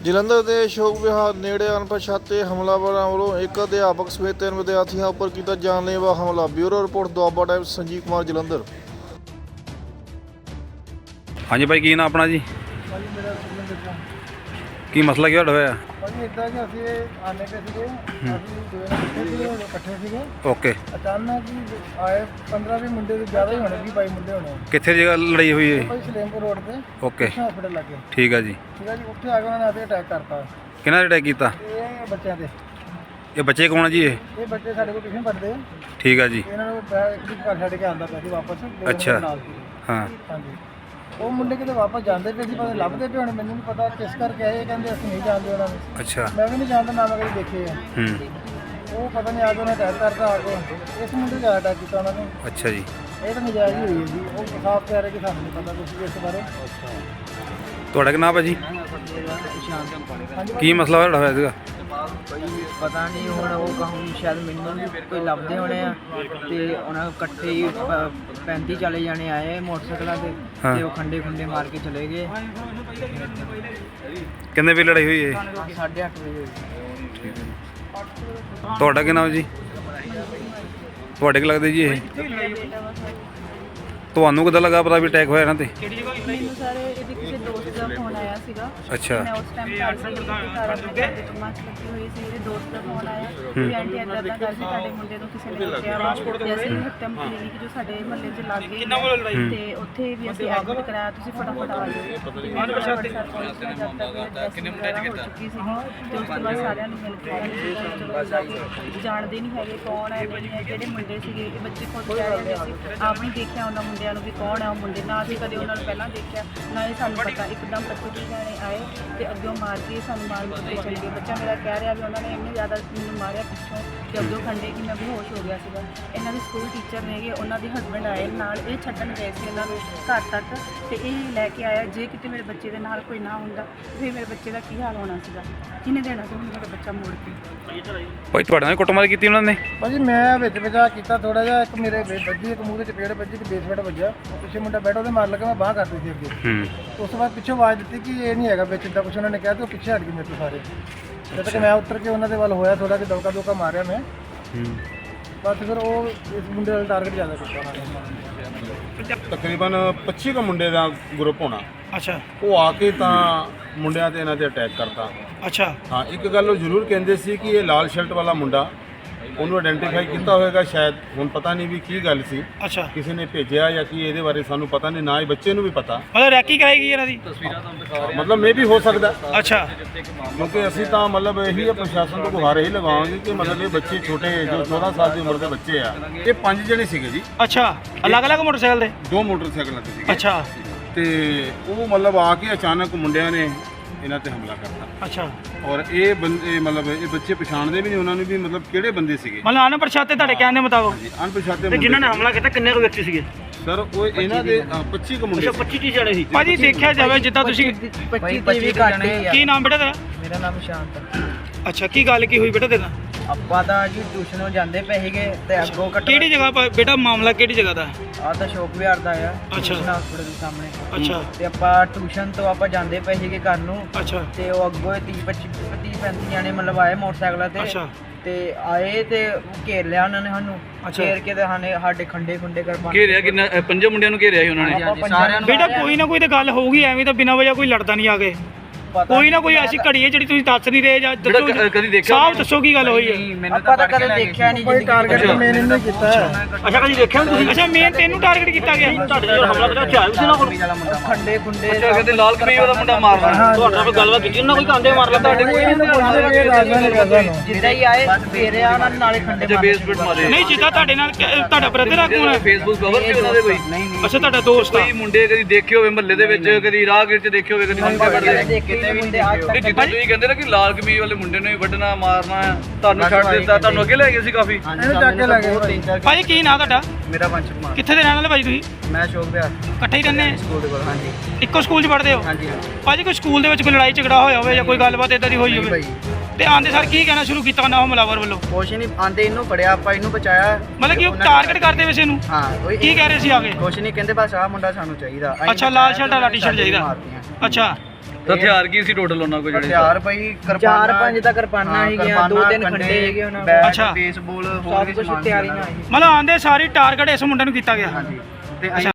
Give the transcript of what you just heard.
ਜਲੰਧਰ ਦੇ ਅਸ਼ੋਕ ਵਿਹਾਰ ਨੇੜੇ ਅਣਪਛਾਤੇ ਹਮਲਾਵਰਾਂ ਵੱਲੋਂ ਇੱਕ ਅਧਿਆਪਕ ਸਮੇਤ 3 ਵਿਦਿਆਰਥੀਆਂ ਉੱਪਰ ਕੀਤਾ ਜਾਨਲੇਵਾ ਹਮਲਾ। Bureau report Doaba Times, Sanjeev Kumar, Jalandhar. ਹਾਂਜੀ ਭਾਈ, ਕੀ ਨਾਮ ਆਪਣਾ ਜੀ? ਭਾਜੀ ਮੇਰਾ ਸੁਖਮਨ ਸਿੰਘ। ਕੀ ਮਸਲਾ ਕੀ ਹੋਇਆ? ਭਾਜੀ ਇੱਦਾਂ ਕਿ ਅਸੀਂ ਆਨੇ ਪਏ ਸੀਗੇ, ਅਸੀਂ ਇਕੱਠੇ ਸੀਗੇ। ਓਕੇ। ਅਚਾਨਕ ਹੀ ਆਏ 15-20 ਮੁੰਡੇ ਤੋਂ ਜ਼ਿਆਦਾ ਹੀ ਹੋਣੇ, 20-22 ਮੁੰਡੇ ਹੋਣੇ। ਕਿੱਥੇ ਜਗ੍ਹਾ ਲੜਾਈ ਹੋਈ ਹੈ? ਭਾਈ ਸਲੇਮਪੁਰ ਰੋਡ ਤੇ ਓਕੇ, ਹਸਪੀਟਲ ਲੱਗੇ। ਠੀਕ ਆ ਜੀ। ਠੀਕ ਆ ਜੀ, ਉੱਥੇ ਆ ਕੇ ਉਹਨਾਂ ਨੇ ਆਪੇ ਅਟੈਕ ਕਰਤਾ। ਕਿਹਨਾਂ ਨੇ ਅਟੈਕ ਕੀਤਾ? ਇਹ ਬੱਚਿਆਂ ਤੇ। ਇਹ ਬੱਚੇ ਕੌਣ ਆ ਜੀ? ਇਹ ਬੱਚੇ ਸਾਡੇ ਕੋਲ ਟਿਊਸ਼ਨ ਪੜ੍ਹਦੇ ਆ। ਠੀਕ ਆ ਜੀ। ਇਹਨਾਂ ਨੂੰ ਇੱਕ ਘਰ ਛੱਡ ਕੇ ਆਉਂਦਾ ਪਿਆ ਸੀ ਵਾਪਸ। ਅੱਛਾ। ਨਾਲ ਹਾਂ। ਹਾਂਜੀ, ਉਹ ਮੁੰਡੇ ਕਿਤੇ ਵਾਪਸ ਜਾਂਦੇ ਪਏ ਸੀ, ਪਤਾ ਲੱਭਦੇ ਪਏ ਹੁਣ, ਮੈਨੂੰ ਨਹੀਂ ਪਤਾ ਕਿਸ ਕਰਕੇ ਆਏ। ਇਹ ਕਹਿੰਦੇ ਅਸੀਂ ਨਹੀਂ ਜਾਣਦੇ ਉਹਨਾਂ ਨੂੰ। ਅੱਛਾ। ਮੈਂ ਵੀ ਨਹੀਂ ਜਾਣਦਾ, ਨਾ ਮੈਂ ਕਦੇ ਦੇਖੇ ਆ। ਉਹ ਪਤਾ ਨਹੀਂ ਆ ਕੇ ਉਹਨੇ ਅਟੈਕ ਕਰਤਾ। ਆ ਕੇ ਇਸ ਮੁੰਡੇ ਦਾ ਅਟੈਕ ਕੀਤਾ ਉਹਨਾਂ ਨੇ। ਅੱਛਾ ਜੀ। ਇਹ ਤਾਂ ਨਜਾਇਜ਼ ਹੀ ਹੋਈ ਹੈ ਜੀ। ਉਹ ਸਾਫ਼ ਕਹਿ ਰਹੇ ਕਿ ਸਾਨੂੰ ਨਹੀਂ ਪਤਾ ਕੁਝ ਵੀ ਇਸ ਬਾਰੇ। ਤੁਹਾਡਾ ਕੀ ਨਾਮ ਹੈ ਜੀ? ਹਾਂਜੀ ਕੀ ਮਸਲਾ ਹੋਇਆ ਸੀਗਾ? ਪਤਾ ਨਹੀਂ ਹੁਣ ਉਹ ਕਹੂੰ ਸ਼ਾਇਦ ਮੈਨੂੰ ਵੀ ਕੋਈ ਲੱਭਦੇ ਹੋਣੇ ਆ ਤੇ ਉਹਨਾਂ ਇਕੱਠੇ ਹੀ 35 ਚਲੇ ਜਾਣੇ ਆਏ ਮੋਟਰਸਾਈਕਲਾਂ ਤੇ ਹਾਂ। ਤੇ ਉਹ ਖੰਡੇ ਖੁੰਡੇ ਮਾਰ ਕੇ ਚਲੇ ਗਏ। ਕਿੰਨੇ ਵਜੇ ਲੜਾਈ ਹੋਈ ਹੈ? 8:30 ਵਜੇ। ਠੀਕ ਹੈ। ਤੁਹਾਡਾ ਕੀ ਨਾਮ ਜੀ? ਤੁਹਾਡੇ ਕੀ ਲੱਗਦਾ ਜੀ ਇਹ? ਤੁਹਾਨੂੰ ਕਿੱਦਾਂ ਲੱਗਾ ਪਤਾ ਵੀ ਅਟੈਕ ਹੋਇਆ ਇਹਨਾਂ ਤੇ? ਮੈਨੂੰ ਸਾਰੇ ਇਹਦੇ ਕਿਸੇ ਦੋਸਤ ਦਾ ਫੋਨ ਆਇਆ ਸੀਗਾ। ਅੱਛਾ। ਮੈਂ ਉਸ ਟਾਈਮ ਘਰ ਸੀ, ਸਾਰਾ ਬੱਚੇ ਦੀ ਕਮਾਚ ਲੱਗੀ ਹੋਈ ਸੀ। ਇਹਦੇ ਦੋਸਤ ਦਾ ਫੋਨ ਆਇਆ ਵੀ ਆਂਟੀ ਇੱਦਾਂ ਦਾ ਕਰ ਸੀ, ਸਾਡੇ ਮੁੰਡੇ ਨੂੰ ਕਿਸੇ ਨੇ ਕੁੱਟਿਆ ਵਾ। ਤੇ ਅਸੀਂ ਹੱਤਮ ਕਲੀਨਿਕ ਜੋ ਸਾਡੇ ਮਹੱਲੇ 'ਚ ਲੱਗ ਗਈ ਤੇ ਉੱਥੇ ਵੀ ਅਸੀਂ ਐਡਮਿਟ ਕਰਾਇਆ। ਤੁਸੀਂ ਫਟਾਫਟ ਆ ਜਾਓ। ਕਿੰਨੇ ਮੁੰਡੇ ਹੋ ਚੁੱਕੀ ਸੀ ਤੇ ਉਸ ਤੋਂ ਬਾਅਦ ਸਾਰਿਆਂ ਨੂੰ ਮਿਲ ਕੇ ਚਲੋ ਜਾਣਦੇ ਨਹੀਂ ਹੈਗੇ ਕੌਣ ਹੈ ਨਹੀਂ ਹੈ, ਕਿਹੜੇ ਮੁੰਡੇ ਸੀਗੇ। ਇਹ ਬੱਚੇ ਖੁਦ ਕਹਿ ਰਹੇ ਸੀ ਆਪ ਨਹੀਂ ਦੇਖਿਆ ਉਹਨਾਂ ਮੁੰਡਿਆਂ ਨੂੰ ਵੀ ਕੌਣ ਹੈ ਉਹ ਮੁੰਡੇ, ਨਾ ਅਸੀਂ ਕਦੇ ਉਹਨਾਂ ਨੂੰ ਪਹਿਲਾਂ ਦੇਖਿਆ ਨਾ ਹੀ ਸਾਨੂੰ ਪਤਾ। ਇੱਕਦਮ 25 ਜਾਣੇ ਆਏ ਤੇ ਅੱਗੋਂ ਮਾਰ ਕੇ ਸਾਨੂੰ ਮਾਰ ਕੇ ਚਲੇ ਗਏ। ਬੱਚਾ ਮੇਰਾ ਕਹਿ ਰਿਹਾ ਵੀ ਉਹਨਾਂ ਨੇ ਇੰਨੇ ਜ਼ਿਆਦਾ ਮੈਨੂੰ ਮਾਰਿਆ ਪਿੱਛੋਂ ਕਿ ਅੱਗੋਂ ਖੰਡੇ ਕਿ ਮੈਂ ਬੇਹੋਸ਼ ਹੋ ਗਿਆ ਸੀਗਾ। ਇਹਨਾਂ ਦੇ ਸਕੂਲ ਟੀਚਰ ਨੇਗੇ, ਉਹਨਾਂ ਦੇ ਹਸਬੈਂਡ ਆਏ ਨਾਲ, ਇਹ ਛੱਡਣ ਗਏ ਸੀ ਇਹਨਾਂ ਨੂੰ ਘਰ ਤੱਕ ਤੇ ਇਹ ਲੈ ਕੇ ਆਇਆ। ਜੇ ਕਿਤੇ ਮੇਰੇ ਬੱਚੇ ਦੇ ਨਾਲ ਕੋਈ ਨਾ ਹੁੰਦਾ ਫਿਰ ਮੇਰੇ ਬੱਚੇ ਦਾ ਕੀ ਹਾਲ ਹੋਣਾ ਸੀਗਾ। ਕਿਹਨੇ ਦੇਣਾ ਸੀ ਮੇਰਾ ਬੱਚਾ ਮੋੜ ਕੇ? ਭਾਈ ਤੁਹਾਡੇ ਨਾਲ ਕੁੱਟਮਾਰ ਕੀਤੀ ਉਹਨਾਂ ਨੇ? ਭਾਜੀ ਮੈਂ ਵਿੱਚ ਵਿਚਾ ਕੀਤਾ ਥੋੜਾ ਜਿਹਾ। ਇੱਕ ਮੇਰੇ ਵੱਜੀ, ਇੱਕ ਮੂੰਹ ਦੇ ਚਪੇੜ ਵੱਜੀ, ਇੱਕ ਬੇਸਮੈਂਟ ਵੱਜਾ। ਪਿੱਛੇ ਮੁੰਡਾ ਬੈਠਾ ਉਹਦੇ ਮਾਰ ਲੱਗਾ, ਮੈਂ ਬਾਂਹ ਕਰਦੀ ਸੀ ਅੱਗੇ। ਉਸ ਤੋਂ ਬਾਅਦ ਪਿੱਛੋਂ ਆਵਾਜ਼ ਦਿੱਤੀ ਕਿ ਇਹ ਨਹੀਂ ਹੈਗਾ ਵਿੱਚ, ਇੱਦਾਂ ਕੁਛ ਉਹਨਾਂ ਨੇ ਕਿਹਾ ਤੇ ਉਹ ਪਿੱਛੇ ਹਟ ਗਏ ਮੇਰੇ ਤੋਂ ਸਾਰੇ। ਜਦ ਤੱਕ ਮੈਂ ਉੱਤਰ ਕੇ ਉਹਨਾਂ ਦੇ ਵੱਲ ਹੋਇਆ ਥੋੜਾ ਕਿ ਦੌਕਾ ਮਾਰਿਆ ਮੈਂ। ਬਸ ਫਿਰ ਉਹ ਇਸ ਮੁੰਡੇ ਵਾਲਾ ਟਾਰਗੇਟ ਜ਼ਿਆਦਾ ਕੀਤਾ ਉਹਨਾਂ ਨੇ। ਤਕਰੀਬਨ 25 ਕੁ ਮੁੰਡੇ ਦਾ ਗਰੁੱਪ ਹੋਣਾ। ਅੱਛਾ। ਉਹ ਆ ਕੇ ਤਾਂ ਮੁੰਡਿਆਂ ਤੇ ਇਹਨਾਂ ਤੇ ਅਟੈਕ ਕਰਤਾ। ਅੱਛਾ। ਹਾਂ, ਇੱਕ ਗੱਲ ਉਹ ਜ਼ਰੂਰ ਕਹਿੰਦੇ ਸੀ ਕਿ ਇਹ ਲਾਲ ਸ਼ਰਟ ਵਾਲਾ ਮੁੰਡਾ, ਉਹਨੂੰ ਆਇਡੈਂਟੀਫਾਈ ਕੀਤਾ ਹੋਵੇਗਾ ਸ਼ਾਇਦ। ਹੁਣ ਪਤਾ ਨਹੀਂ ਵੀ ਕੀ ਗੱਲ ਸੀ, ਅੱਛਾ। ਕਿਸੇ ਨੇ ਭੇਜਿਆ ਜਾਂ ਕੀ, ਇਹਦੇ ਬਾਰੇ ਸਾਨੂੰ ਪਤਾ ਨਹੀਂ, ਨਾ ਹੀ ਬੱਚੇ ਨੂੰ ਵੀ ਪਤਾ। ਮਤਲਬ ਰੈਕੀ ਕਰਾਈ ਗਈ ਇਹਨਾਂ ਦੀ? ਮਤਲਬ ਮੇ ਵੀ ਹੋ ਸਕਦਾ। ਅੱਛਾ। ਕਿਉਂਕਿ ਅਸੀਂ ਤਾਂ ਮਤਲਬ ਇਹੀ ਹੈ, ਪ੍ਰਸ਼ਾਸਨ ਤੋਂ ਗੁਹਾਰ ਇਹੀ ਲਗਾਵਾਂਗੇ ਕਿ ਮਤਲਬ ਇਹ ਬੱਚੇ ਛੋਟੇ ਜੋ 14 ਸਾਲ ਦੀ ਉਮਰ ਦੇ ਬੱਚੇ ਆ, ਇਹ 5 ਜਣੇ ਸੀਗੇ ਜੀ। ਅੱਛਾ। ਅਲੱਗ-ਅਲੱਗ ਮੋਟਰਸਾਈਕਲ ਦੇ? 2 ਮੋਟਰਸਾਈਕਲਾਂ ਤੇ ਸੀਗੇ। ਅੱਛਾ। ਤੇ ਉਹ ਮਤਲਬ ਆ ਕੇ ਅਚਾਨਕ ਮੁੰਡਿਆਂ ਨੇ ਇਹਨਾਂ ਤੇ ਹਮਲਾ ਕਰਤਾ। ਅੱਛਾ। ਔਰ ਇਹ ਬੰਦੇ ਮਤਲਬ ਇਹ ਬੱਚੇ ਪਛਾਣਦੇ ਵੀ ਨਹੀਂ ਉਹਨਾਂ ਨੂੰ ਵੀ ਮਤਲਬ ਕਿਹੜੇ ਬੰਦੇ ਸੀਗੇ। ਮਤਲਬ ਅਣਪਛਾਤੇ ਤੁਹਾਡੇ ਕਹਿਣ ਦੇ ਮੁਤਾਬਕ? ਅਣਪਛਾਤੇ ਤੇ ਜਿਨ੍ਹਾਂ ਨੇ ਹਮਲਾ ਕੀਤਾ ਕਿੰਨੇ ਕੁ ਵਿਅਕਤੀ ਸੀਗੇ? ਸਰ ਉਹ ਇਹਨਾਂ ਦੇ 25 ਕੁ ਮੁੰਡੇ। 25 ਜਣੇ ਸੀ। ਭਾਜੀ ਦੇਖਿਆ ਜਾਵੇ ਜਿੱਦਾਂ ਤੁਸੀਂ 25 ਵੀ ਘੱਟ ਹੀ ਆ। ਕੀ ਨਾਮ ਬੇਟਾ ਤੇਰਾ? ਮੇਰਾ ਨਾਮ ਸ਼ਾਂਤ ਆ। ਅੱਛਾ। ਕੀ ਗੱਲ ਕੀ ਹੋਈ ਬੇਟਾ ਤੇਰਾ? ਆਪਾਂ ਤਾਂ ਜੀ ਟਿਊਸ਼ਨੋਂ ਜਾਂਦੇ ਪਏ ਸੀਗੇ ਤੇ ਅੱਗੋਂ ਕਿਹੜੀ ਜਗ੍ਹਾ ਬੇਟਾ ਮਾਮਲਾ ਕਿਹੜੀ ਜਗ੍ਹਾ ਦਾ? ਆ ਤਾਂ ਸ਼ੌਕ ਵਿਹਾਰ ਦਾ ਆ। ਅੱਛਾ। ਹਸਪੀਟਲ ਦੇ ਸਾਹਮਣੇ। ਅੱਛਾ। ਤੇ ਆਪਾਂ ਟਿਊਸ਼ਨ ਤੋਂ ਆਪਾਂ ਜਾਂਦੇ ਪਏ ਸੀਗੇ ਘਰ ਨੂੰ। ਅੱਛਾ। ਤੇ ਉਹ ਅੱਗੋਂ 30-35 ਜਾਣੇ ਮਤਲਬ ਆਏ ਮੋਟਰਸਾਈਕਲਾਂ ਤੇ। ਅੱਛਾ। ਤੇ ਆਏ ਤੇ ਘੇਰ ਲਿਆ ਉਹਨਾਂ ਨੇ ਸਾਨੂੰ। ਘੇਰ ਕੇ ਤੇ ਸਾਡੇ ਖੰਡੇ ਖੁੰਡੇ ਕਰ ਘੇਰਿਆ ਕਿੰਨਾ? 5 ਮੁੰਡਿਆਂ ਨੂੰ ਘੇਰਿਆ ਸੀ ਉਹਨਾਂ ਨੇ? ਸਾਰਿਆਂ ਨੂੰ ਬੇਟਾ ਕੋਈ ਨਾ ਕੋਈ ਤਾਂ ਗੱਲ ਹੋਊਗੀ, ਐਵੇਂ ਤਾਂ ਬਿਨਾਂ ਵਜ੍ਹਾ ਕੋਈ ਲੜਦਾ ਨਹੀਂ ਆ ਕੇ। ਕੋਈ ਨਾ ਕੋਈ ਐਸੀ ਘੜੀ ਹੈ ਜਿਹੜੀ ਤੁਸੀਂ ਦੱਸ ਨਹੀਂ ਰਹੇ ਜਾਂ ਦੱਸੋ। ਕਦੀ ਦੇਖਿਆ? ਸਾਫ਼ ਦੱਸੋ ਕੀ ਗੱਲ ਹੋਈ ਹੈ। ਆਪਾਂ ਤਾਂ ਕਦੇ ਦੇਖਿਆ ਨਹੀਂ। ਕੋਈ ਟਾਰਗੇਟ ਮੇਨ ਇਹਨੇ ਕੀਤਾ ਹੈ। ਅੱਛਾ। ਕਦੀ ਦੇਖਿਆ ਤੁਸੀਂ? ਅੱਛਾ। ਮੇਨ ਤੈਨੂੰ ਟਾਰਗੇਟ ਕੀਤਾ ਗਿਆ? ਤੁਹਾਡੇ ਜਿਹੜਾ ਹਮਲਾ ਕਰਿਆ ਹਥਿਆਰ ਵੀ ਸੀ ਨਾ ਕੋਲ? ਖੰਡੇ ਖੁੰਡੇ। ਅੱਛਾ। ਕਹਿੰਦੇ ਲਾਲ ਕਮੀਜ਼ ਵਾਲਾ ਮੁੰਡਾ ਮਾਰਨਾ। ਤੁਹਾਡੇ ਨਾਲ ਕੋਈ ਗੱਲਬਾਤ ਕੀਤੀ ਉਹਨਾਂ? ਕੋਈ ਕਾਂਡੇ ਮਾਰ ਲਿਆ ਤੁਹਾਡੇ? ਜਿੱਦਾਂ ਹੀ ਆਏ ਫੇਰਿਆ ਉਹਨਾਂ ਨੇ ਨਾਲੇ ਖੰਡੇ ਅੱਛਾ। ਬੇਸਮੈਂਟ ਮਾਰੇ? ਨਹੀਂ, ਜਿੱਦਾਂ ਤੁਹਾਡੇ ਨਾਲ ਤੁਹਾਡਾ ਬ੍ਰਦਰ ਆ ਕੋਣ? ਫੇਸਬੁੱਕ ਕਵਰ ਸੀ ਉਹਨਾਂ ਦੇ ਕੋਈ? ਅੱਛਾ। ਤੁਹਾਡਾ ਦੋਸਤ ਆ? ਕੋਈ ਮੁੰਡੇ ਕਦੀ ਦੇਖੇ ਹੋਵੇ ਮਹੱਲੇ ਦੇ ਵਿੱਚ, ਕਦੀ ਰਾਹਗੀਰ ਚ ਦੇਖੇ ਹੋਵੇ, ਕਦੀ ਮੰਗੇ ਵੜਦੇ? ਕਿਤੇ ਵੀ ਅੱਜ ਜਿੱਦਾਂ ਤੁਸੀਂ ਕਹਿੰਦੇ ਨਾ ਕਿ ਲਾਲ ਕਮੀਜ਼ ਵਾਲੇ ਮੁੰਡੇ ਨੂੰ ਹੀ ਵੱਢਣਾ ਮਾਰਨਾ ਹੈ, ਤੁਹਾਨੂੰ ਛੱਡ ਦਿੱਤਾ, ਤੁਹਾਨੂੰ ਅੱਗੇ ਲੈ ਗਏ ਸੀ ਕਾਫੀ? ਇਹਨੂੰ ਚੱਕ ਕੇ ਲੈ ਗਏ। ਭਾਜੀ ਕੀ ਨਾਂ ਤੁਹਾਡਾ? ਮੇਰਾ ਵੰਸ਼ ਕੁਮਾਰ। ਕਿੱਥੇ ਦੇ ਰਹਿਣ ਵਾਲੇ ਭਾਜੀ ਤੁਸੀਂ? ਮੈਂ ਸ਼ੌਕ ਵਿਹਾਰ ਇਕੱਠੇ ਹੀ ਰਹਿੰਦੇ? ਸਕੂਲ ਦੇ ਕੋਲ। ਹਾਂਜੀ। ਇੱਕੋ ਸਕੂਲ 'ਚ ਪੜ੍ਹਦੇ ਹੋ? ਹਾਂਜੀ। ਭਾਜੀ ਕੋਈ ਸਕੂਲ ਦੇ ਵਿੱਚ ਕੋਈ ਲੜਾਈ ਝਗੜਾ ਹੋਇਆ ਹੋਵੇ ਜਾਂ ਕੋਈ ਗੱਲਬਾਤ ਇਦਾਂ ਦੀ ਹੋਈ ਹੋਵੇ ਤੇ ਆਂਦੇ ਸਰ ਕੀ ਕਹਿਣਾ ਸ਼ੁਰੂ ਕੀਤਾ ਨਾ ਹਮਲਾਵਰ ਵੱਲੋਂ? ਕੁਛ ਨਹੀਂ, ਆਂਦੇ ਇਹਨੂੰ ਫੜਿਆ, ਆਪਾਂ ਇਹਨੂੰ ਬਚਾਇਆ। ਮਤਲਬ ਕਿ ਉਹ ਟਾਰਗੇਟ ਕਰਦੇ ਵੈਸੇ ਇਹਨੂੰ? ਹਾਂ। ਕੀ ਕਹਿ ਰਹੇ ਸੀ ਆਗੇ? ਕੁਛ ਨਹੀਂ ਕਹਿੰਦੇ, ਬਸ ਆਹ ਮੁੰਡਾ ਸਾਨੂੰ ਚਾਹੀਦਾ। ਅੱਛਾ। ਲਾਲ ਸ਼ਰਟ ਵਾਲਾ ਟੀ-ਸ਼ਰਟ ਚਾਹੀਦਾ? ਅੱਛਾ। ਤਾਂ ਹਥਿਆਰ ਕੀ ਸੀ ਟੋਟਲ ਉਹਨਾਂ ਕੋਲ ਜਿਹੜੇ? ਹਥਿਆਰ ਭਾਈ ਚਾਰ ਪੰਜ ਤਾਂ ਕਿਰਪਾਨਾਂ ਹੈਗੀਆਂ, ਦੋ ਤਿੰਨ ਖੰਡੇ ਹੈਗੇ ਉਹਨਾਂ ਕੋਲ। ਅੱਛਾ। ਬੇਸਬਾਲ ਹੋਰ ਸਭ ਵੀ ਕੁਝ ਸਮਾਨ ਤਿਆਰੀ ਨਾਲ ਸੀ। ਮਤਲਬ ਆਂਦੇ ਸਾਰੀ ਟਾਰਗੇਟ ਇਸ ਮੁੰਡੇ ਨੂੰ ਕੀਤਾ ਗਿਆ। ਤੇ